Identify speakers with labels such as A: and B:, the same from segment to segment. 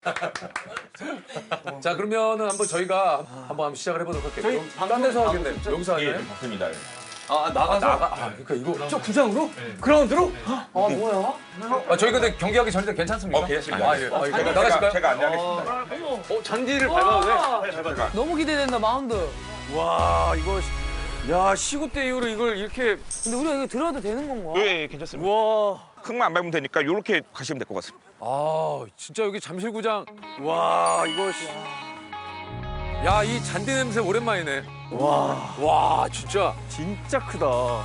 A: 자 그러면은 한번 저희가 한번 시작을 해보도록 할게요. 딴 데서 하겠네. 여기서 하나요?
B: 맞습니다.
A: 그러니까 이거
C: 저 구장으로? 그라운드로?
D: 뭐야?
A: 저희 근데 경기하기 전인데 괜찮습니까?
B: 괜찮습니다.
A: 예. 나가실까요?
B: 제가 안내하겠습니다.
C: 잔디를 밟아도 돼?
D: 너무 기대된다 마운드.
C: 와, 이거. 야, 시구 때 이후로 이걸 이렇게.
D: 근데 우리가 이거 들어도 되는 건가?
B: 예, 괜찮습니다.
C: 와.
B: 흙만 안 밟으면 되니까 이렇게 가시면 될 것 같습니다.
A: 아 진짜 여기 잠실구장.
C: 와, 이거.
A: 야 이 잔디 냄새 오랜만이네.
C: 와.
A: 와 진짜.
C: 진짜 크다.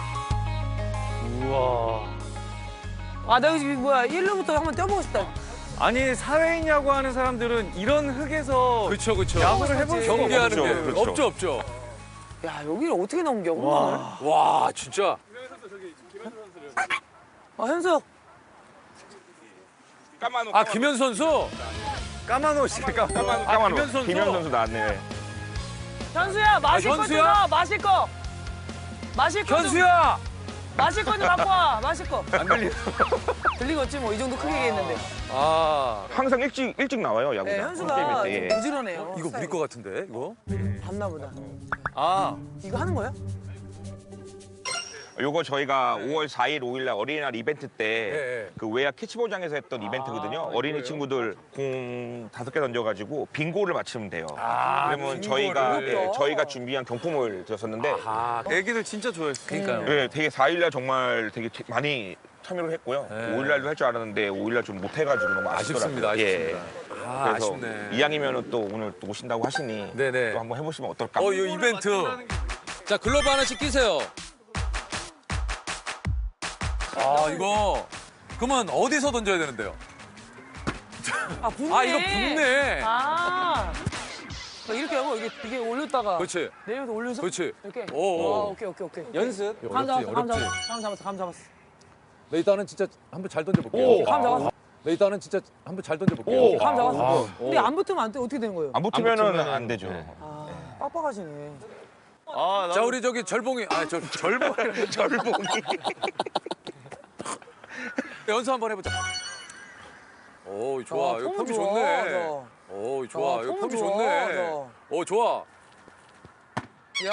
C: 우와.
D: 아, 나 여기 뭐야 1루부터 한번 뛰어보고 싶다.
C: 아니, 사회인 야구 하는 사람들은 이런 흙에서
A: 그쵸.
C: 야구를 해볼 수가
A: 경기하는 게
B: 그렇죠.
A: 없죠.
D: 야, 여기를 어떻게 넘겨? 홈런을?
A: 와 진짜.
D: 현석.
A: 아 김현수 선수.
C: 까만 옷이
B: 까만
A: 김현 선수.
B: 김현 선수 나왔네.
D: 현수야, 마실 거
A: 현수야?
D: 들어. 마실 거. 마실 거.
A: 현수야.
D: 마실 거 좀 갖고 와. 마실 거.
A: 안 들리.
D: 들리겠지 뭐 이 정도 크게 얘기했는데.
A: 아
B: 항상 일찍 나와요, 야구장.
D: 네, 현수가
B: 게임일 때.
D: 좀 부지런해요.
A: 이거 우리 거 같은데 이거?
D: 봤나 보다.
A: 아
D: 이거 하는 거야?
B: 요거 저희가 5월 4일, 5일 날 어린이날 이벤트 때
A: 예.
B: 그 외야 캐치볼장에서 했던 이벤트거든요. 어린이 친구들 공 5개 던져가지고 빙고를 맞추면 돼요. 그러면 저희가
D: 어렵다.
B: 저희가 준비한 경품을 드렸었는데
C: 애기들 진짜 좋아했어.
A: 그러니까요.
B: 예, 되게 4일 날 정말 되게 많이 참여를 했고요. 5일 날도 할 줄 알았는데 5일 날 좀 못해가지고 너무
A: 아쉽습니다.
B: 아쉽더라고요.
A: 아쉽습니다. 아,
B: 그래서
A: 아쉽네.
B: 이왕이면 또 오늘 또 오신다고 하시니
A: 네네.
B: 또 한번 해보시면 어떨까?
A: 이 이벤트. 자 글러브 하나씩 끼세요. 아 이거 그러면 어디서 던져야 되는데요?
D: 아, 붓네.
A: 아 이거 붓네.
D: 아. 이렇게 하고 이게 올렸다가
A: 그렇지.
D: 내려서 올려서
A: 그렇지.
D: 이렇게.
A: 오.
D: 오케이.
C: 연습?
D: 감 잡았어.
A: 어렵지.
D: 감 잡았어.
A: 네, 일단은 진짜 한번 잘 던져볼게요.
D: 감 잡았어.
A: 네, 일단은 진짜 한번 잘 던져볼게요.
D: 감 잡았어. 근데 안 붙으면 안 돼. 어떻게 되는 거예요?
B: 안 붙으면은 안 되죠.
D: 아, 빡빡하시네.
C: 아,
A: 자 우리 저기 절봉이 절봉이
B: 절봉이.
A: 연습 한번 해보자. 오 좋아.
D: 아,
A: 이거
D: 폼은
A: 폼이
D: 좋아,
A: 좋네.
D: 저.
A: 오 좋아. 이거
D: 폼은
A: 폼이
D: 좋아,
A: 좋네.
D: 저.
A: 오 좋아.
D: 야.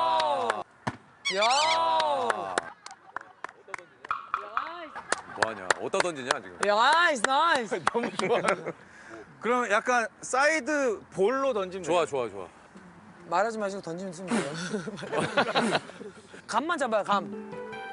A: 뭐하냐? 어디다 던지냐 지금?
D: 나이스.
C: 너무 좋아. 그럼 약간 사이드 볼로 던지면
A: 좋아.
D: 말하지 마시고 던지면 돼요. 감만 잡아요, 감.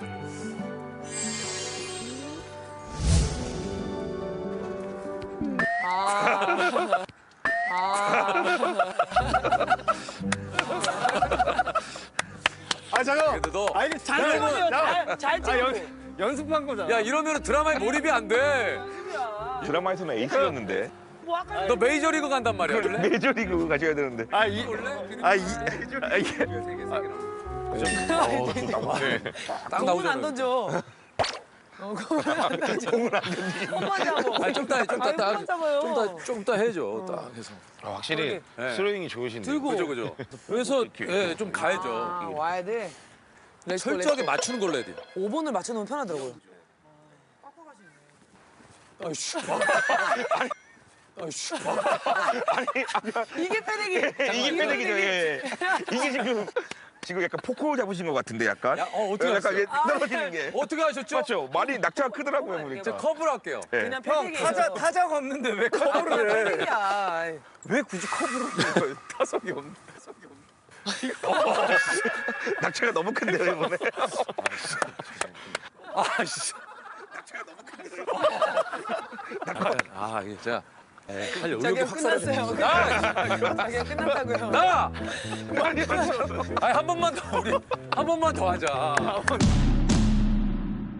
C: 잠깐만.
A: 근데 너,
C: 아, 이게
D: 잘 찍으세요. 잘 찍고.
C: 연습한 거잖아.
A: 야 이러면 드라마에 몰입이 안 돼.
B: 드라마에서는 에이스였는데
D: 뭐 아까
A: 너 메이저리그 간단 말이야. 원래?
B: 메이저리그 가셔야 되는데.
A: 딱
D: 공은
A: 나오잖아.
D: 안 던져. 공은 안 던져. 홈만 잡아.
A: 아니 좀 이따
D: 홈만 잡아요.
A: 좀 이따 해줘. 딱 해서.
B: 확실히
A: 네.
B: 스로잉이 좋으신데.
D: 들고.
A: 그죠. 그래서 예, 좀 가야죠.
D: 아, 와야 돼.
A: 철저하게 맞추는 걸로 해야 돼.
D: 5번을 맞춰놓으면 편하더라고요.
A: 아이씨. 아이씨.
D: 이게 패대기.
B: 이게 패대기죠. 예. 이게 지금 약간 포크 잡으신 것 같은데 약간.
A: 어떻게
B: 약간
A: 하셨어요?
B: 이게 떨어지는 게.
A: 어떻게 하셨죠?
B: 맞죠? 많이 낙차가 크더라고요 보니까.
A: 제가 커브를 할게요.
B: 예.
D: 그냥
C: 형,
D: 패대기예요.
C: 타자가 없는데 왜 커브를 해?
D: 패대기야.
C: 왜 굳이 커브를 해? 거예요? 타석이 없네.
B: 낙차가 너무 큰데요 이번에.
A: 아씨. 아 이게 진짜 할 여유가
D: 자기가
A: 확
D: 끝났어요.
A: 사라지네.
D: 자기가 끝났다고요.
A: 나! 아니 한 번만 더 우리 한 번만 더 하자.